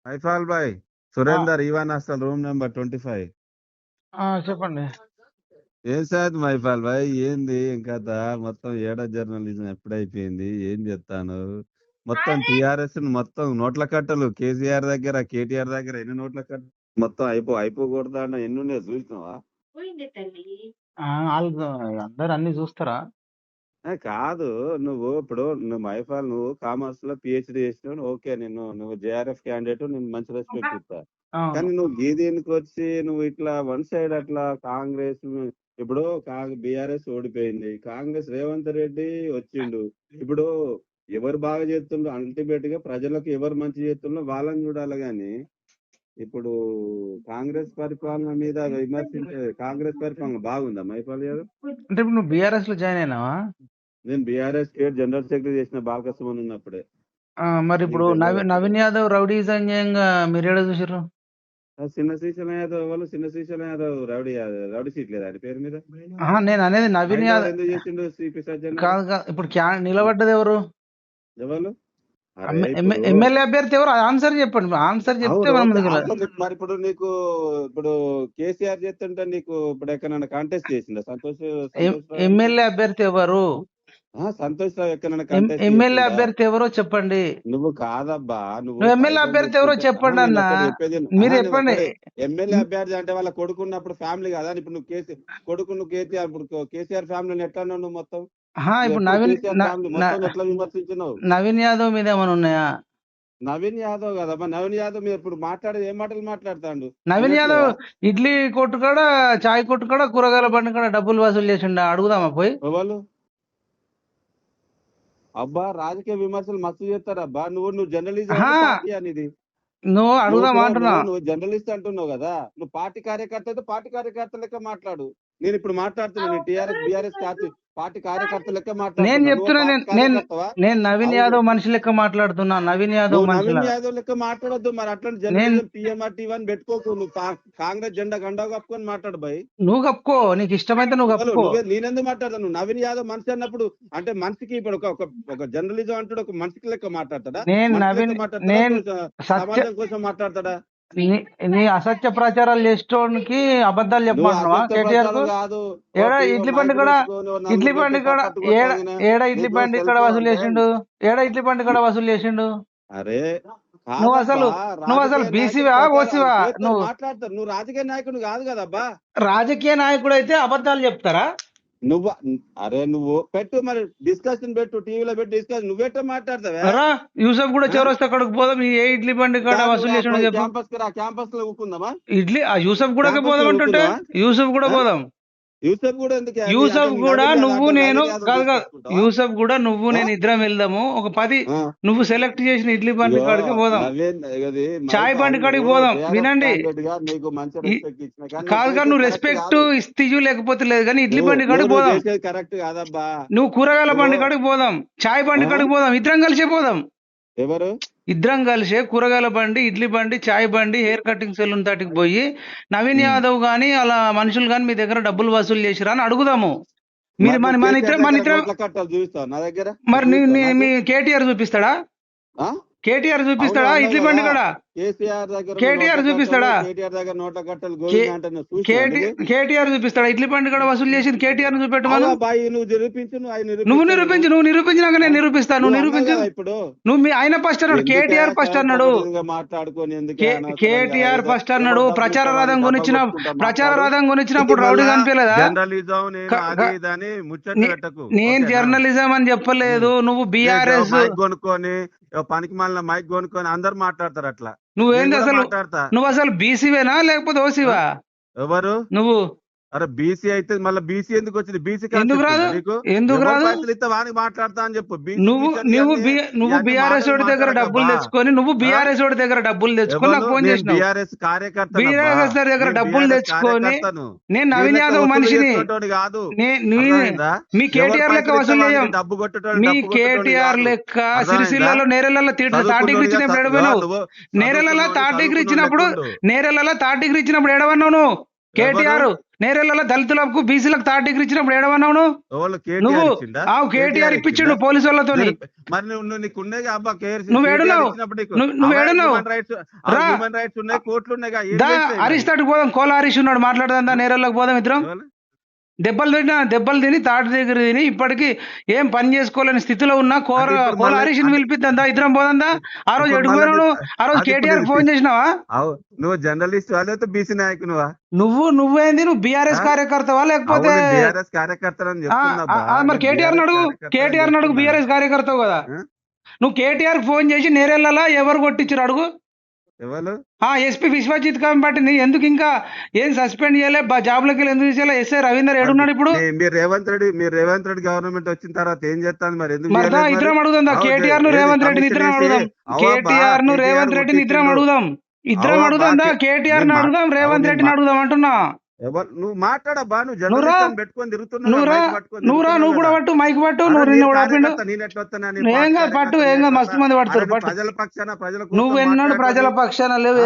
మైఫాల్ భాయ్ ఆ! సురేందర్ ఈవన్ అసలు రూమ్ నెంబర్ 25. చెప్పండి. ఏం సార్ మైఫాల్ భాయ్ ఏంది ఇంకా మొత్తం ఏడా జర్నలిజం ఎప్పుడైపోయింది ఏం చెప్తాను మొత్తం టిఆర్ఎస్ మొత్తం నోట్ల కట్టలు కేసీఆర్ దగ్గర కేటీఆర్ దగ్గర ఎన్ని నోట్ల కట్టలు మొత్తం అయిపోకూడదా అన్న ఎన్ని ఉన్నాయో చూసినావా? ఆళ్ళు అందరూ అన్ని చూస్తారా? కాదు నువ్వు మైఫాల్ నువ్వు కామర్స్ లో పిహెచ్డి చేసినావు ఓకే నువ్వు జేఆర్ఎఫ్ క్యాండిడేట్ నేను మంచి రెస్పెక్ట్ ఇస్తా. అవును. కానీ నువ్వు దీనికి వచ్చి నువ్వు ఇట్లా వన్ సైడ్ అట్లా కాంగ్రెస్ ఇప్పుడు బీఆర్ఎస్ ఓడిపోయింది, కాంగ్రెస్ రేవంత్ రెడ్డి వచ్చిండు. ఇప్పుడు ఎవరు బాగా చేస్తుండ్రో అల్టిమేట్ గా ప్రజలకు ఎవరు మంచి చేస్తుండ్రో వాళ్ళని చూడాలి. గాని ఇప్పుడు కాంగ్రెస్ పరిపాలన మీద విమర్శించే కాంగ్రెస్ పరిపాలన బాగుందా మైపాల్ గారు? అంటే ఇప్పుడు నువ్వు బీఆర్ఎస్ లో జాయిన్ అయినావా? నేను బీఆర్ఎస్ స్టేట్ జనరల్ సెక్రటరీ చేసిన బాలకృష్ణ ఉన్నప్పుడే. మరి ఇప్పుడు నీకు తెలియదు అప్పుడు. నవీన్ యాదవ్ రౌడీజం చేయంగా మీరు ఏడ చూసారు? చిన్న శ్రీశైలం యాదవ్ వాళ్ళు చిన్న శ్రీశైలం యాదవ్ రౌడీ సీట్ లేదా ఆయన పేరు మీద? నేను అనేది నవీన్ హైదరాబాద్ యాదవ్ ఎందుకు చేసిండు సిపి సజ్జన్? కాదు. ఇప్పుడు నిలబడ్డది ఎవరు? ఎవరు? అరే ఇప్పుడు ఎమ్మెల్యే అభ్యర్థి ఎవరు? ఆన్సర్ చెప్పండి. ఆన్సర్ చెప్తే అవును, మనం ఓకే, ముందుకు వెళ్ళాలి. ఆన్సర్ చెప్పు. మరి ఇప్పుడు కేసీఆర్ చేస్తుంటే నీకు ఇప్పుడు ఎక్కడైనా కాంటెస్ట్ చేసిందా సంతోష్ రావు? ఎమ్మెల్యే అభ్యర్థి ఎవరు? సంతోష్ రావు ఎక్కడైనా కాంటెస్ట్ ఎమ్మెల్యే చేసిందా? అభ్యర్థి ఎవరో చెప్పండి. నువ్వు కాదబ్బా, నువ్వు ఎమ్మెల్యే అభ్యర్థి ఎవరో చెప్పండి అన్న. మీరు చెప్పండి. ఎమ్మెల్యే అభ్యర్థి అంటే వాళ్ళ కొడుకున్నప్పుడు ఫ్యామిలీ కదా. ఇప్పుడు నువ్వు కేసీఆర్ ఇప్పుడు కేసీఆర్ ఫ్యామిలీని ఎట్లా అన్నావు నువ్వు మొత్తం? ఇప్పుడు ఎట్లా విమర్శించినావు? నవీన్ యాదవ్ మీద ఏమైనా ఉన్నాయా? నవీన్ యాదవ్ కదమ్మా, నవీన్ యాదవ్ మీరు ఇప్పుడు మాట్లాడేది ఏం మాటలు మాట్లాడతాడు? నవీన్ యాదవ్ ఇడ్లీ కొట్టు కాడ, చాయ్ కొట్టు కాడ, కూరగాయల బండి కాడ డబ్బులు వసూలు చేసిండ. అడుగుదామా పోయి? ఎవరు అబ్బా రాజకీయ విమర్శలు మస్తు చేస్తారబ్బా. నువ్వు జర్నలిజం పార్టీ అనేది నువ్వు అడుగుదామా అంటున్నా. నువ్వు జర్నలిస్ట్ అంటున్నావు కదా, నువ్వు పార్టీ కార్యకర్త అయితే పార్టీ కార్యకర్త లెక్క మాట్లాడు. నేను ఇప్పుడు మాట్లాడుతున్నాను టీఆర్ఎస్ బీఆర్ఎస్ పార్టీ కార్యకర్త లెక్క నేను మాట్లాడుతున్నా. చెప్తున్నా, నేను నవీన్ యాదవ్ మనిషి లెక్క మాట్లాడుతున్నా. నవీన్ యాదవ్ లెక్క మాట్లాడొద్దు. మరి అట్లాంటి జర్నలిజం పిఎంఆర్ టీవీ పెట్టుకోకు. నువ్వు కాంగ్రెస్ జెండా గండా కప్పుకొని మాట్లాడు భయ్. నువ్వు కప్పుకో, నీకు ఇష్టమైతే నువ్వు కప్పుకో. నేనెందుకు మాట్లాడతాను? నువ్వు నవీన్ యాదవ్ మనిషి అన్నప్పుడు అంటే మనిషికి ఇప్పుడు ఒక జర్నలిజం అంటాడు, ఒక మనిషికి లెక్క మాట్లాడతాడా? సమాజం కోసం మాట్లాడతాడా? నీ అసత్య ప్రచారాలు చేసేటోనికి అబద్ధాలు చెప్పమంటున్నావా? కేటీఆర్ ఏడా ఇడ్లీ బండి కూడా ఏడా ఇడ్లీ బండి ఇక్కడ వసూలు చేసిండు? అరే నువ్వు అసలు బీసీవా ఓసీవా? నువ్వు మాట్లాడతారు. నువ్వు రాజకీయ నాయకుడు కాదు కదబ్బా. రాజకీయ నాయకుడు అయితే అబద్ధాలు చెప్తారా? నువ్వు పెట్టు, మరి డిస్కషన్ పెట్టు, టీవీలో పెట్టి డిస్కషన్. నువ్వెట్లా మాట్లాడతావా? యూసఫ్ కూడా చౌరస్తా అక్కడికి పోదాం. ఏ ఇడ్లీ బండి కాడ వసూలు చేసిండు చెప్పు. క్యాంపస్ లో ఊకుందామా? ఇడ్లీ యూసఫ్ కూడా పోదాం అంటుంటే యూసఫ్ కూడా పోదాం. యూసఫ్ కూడా ఎందుకు? యూసఫ్ కూడా నువ్వు నేను కాదు. యూసఫ్ కూడా నువ్వు నేను ఇద్దరం వెళ్దాము. ఒక 10 నువ్వు సెలెక్ట్ చేసిన ఇడ్లీ బండి కాడికి పోదాం, చాయ్ బండి కాడికి పోదాం. వినండి, కాదు నువ్వు రెస్పెక్ట్ ఇస్తీజు లేకపోతే లేదు, కానీ ఇడ్లీ బండి కాడికి పోదాం. కరెక్ట్ కాదబ్బా. నువ్వు కూరగాయల బండి కాడికి పోదాం, చాయ్ బండి కాడికి పోదాం. ఇద్దరం కలిసే పోదాం. ఎవరు? ఇద్దరం కలిసే కూరగాయల బండి, ఇడ్లీ బండి, చాయ్ బండి, హెయిర్ కటింగ్ సెలూన్ దాటికి పోయి నవీన్ యాదవ్ గాని అలా మనుషులు గాని మీ దగ్గర డబ్బులు వసూలు చేసిరా అని అడుగుదాము. మీరు మన ఇద్దరం మరి మీ కేటీఆర్ చూపిస్తాడా? ఇడ్లీ బండి కూడా కేటీఆర్ చూపిస్తాడా? కేటీఆర్ చూపిస్తాడా? ఇడ్లీ బండి కూడా వసూలు చేసింది కేటీఆర్ చూపెట్టమను. నువ్వు నిరూపించినాక నేను నిరూపిస్తాను. నువ్వు నిరూపించు. నువ్వు ఆయన ఫస్ట్ అన్నాడు, కేటీఆర్ ఫస్ట్ అన్నాడు. కేటీఆర్ ఫస్ట్ అన్నాడు. ప్రచార రథం కొనిచ్చినప్పుడు రౌడీ కనిపించలేదా? నేను జర్నలిజం అని చెప్పలేదు. నువ్వు బీఆర్ఎస్ కొనుక్కొని పనికి మాలిన మైక్ కొనుక్కొని అందరు మాట్లాడతారు అట్లా. నువ్వేంది అసలు? నువ్వు అసలు బీసీవేనా లేకపోతే ఓసీవా? ఎవరు నువ్వు? అరే బీసీ అయితే మళ్ళీ బీసీ ఎందుకు వచ్చింది? బీసీ ఎందుకు రాదు? వానికి మాట్లాడతా అని చెప్పు. నువ్వు బీఆర్ఎస్ దగ్గర డబ్బులు తెచ్చుకొని నాకు ఫోన్ చేసినావు. బీఆర్ఎస్ కార్యకర్త దగ్గర డబ్బులు తెచ్చుకొని నేను నవీన్ యాదవ్ మనిషిని కాదు. మీ కేటీఆర్ లెక్క వసూలు చేయం. మీ కేటీఆర్ లెక్క సిరిసిల్లలో నేరెలలో థర్డ్ డిగ్రీ ఇచ్చినప్పుడు ఎడబోయినావు. నేరెలలో థర్డ్ డిగ్రీ ఇచ్చినప్పుడు ఎడవన్నావు నువ్వు? కేటీఆర్ నేరేళ్లలో దళితులకు బీసీలకు థర్డ్ డిగ్రీ ఇచ్చినప్పుడు ఏడవన్నావు నువ్వు? ఎవరు నువ్వు కేటీఆర్ ఇచ్చిండా? కేటీఆర్ ఇప్పించిండు పోలీసు వాళ్ళతోని. మరి నువ్వు నీకున్నాయి అబ్బా నువ్వు ఏడున్నావు? నువ్వు ఏడున్నావు? రా. హ్యూమన్ రైట్స్ ఉన్నాయి, కోర్టులు ఉన్నాయి. హరీష్ తోటి పోదాం, కోల హరీష్ ఉన్నాడు, మాట్లాడదా నేరేళ్ళకి పోదాం ఇద్దరం. దెబ్బలు తిని తాటి దగ్గర తిని ఇప్పటికి ఏం పని చేసుకోలేని స్థితిలో ఉన్న కోల హరీష్ని పిలిపిద్దా, ఇద్దరం పోదా? ఆ రోజు ఎడుగుపోయావు? ఆ రోజు కేటీఆర్ ఫోన్ చేసినావా? నువ్వు జర్నలిస్ట్ లేకపోతే బీసీ నాయకునువా? నువ్వేంది? నువ్వు బీఆర్ఎస్ కార్యకర్తవా లేకపోతే బీఆర్ఎస్ కార్యకర్తలని చెప్తున్నా. మరి కేటీఆర్ అడుగు బీఆర్ఎస్ కార్యకర్తవు కదా నువ్వు. కేటీఆర్ ఫోన్ చేసి నేరేళ్లలో ఎవరు కొట్టించారు అడుగు. ఎవరు? ఎస్పీ విశ్వజిత్ కంపటిని ఎందుకు ఇంకా ఏం సస్పెండ్ చేయలే, జాబ్లకి ఎందుకు తీసేలా? ఎస్ఐ రవీందర్ ఏడున్నాడు ఇప్పుడు? మీరు రేవంత్ రెడ్డి గవర్నమెంట్ వచ్చిన తర్వాత ఏం చేస్తాను మరి? ఎందుకు ఇద్దరం అడుగుదాం కేటీఆర్ ను రేవంత్ రెడ్డిని ఇద్దరం అడుగుదాం. కేటీఆర్ ను రేవంత్ రెడ్డిని ఇద్దరం అడుగుదాం. కేటీఆర్ ను అడుగుదాం, రేవంత్ రెడ్డిని అడుగుదాం అంటున్నా. నువ్వు మాట్లాడబ్బా, నువ్వు జర్నలిస్ట్ పెట్టుకొని తిరుగుతున్నావు. నువ్వు కూడా పట్టు, మైక్ పట్టు. ఏం కాదు పట్టు, ఏం కాదు, మస్తు మంది పడతారు. ప్రజల పక్షాన నువ్వు ఎన్నాడు ప్రజల పక్షాన లేవు.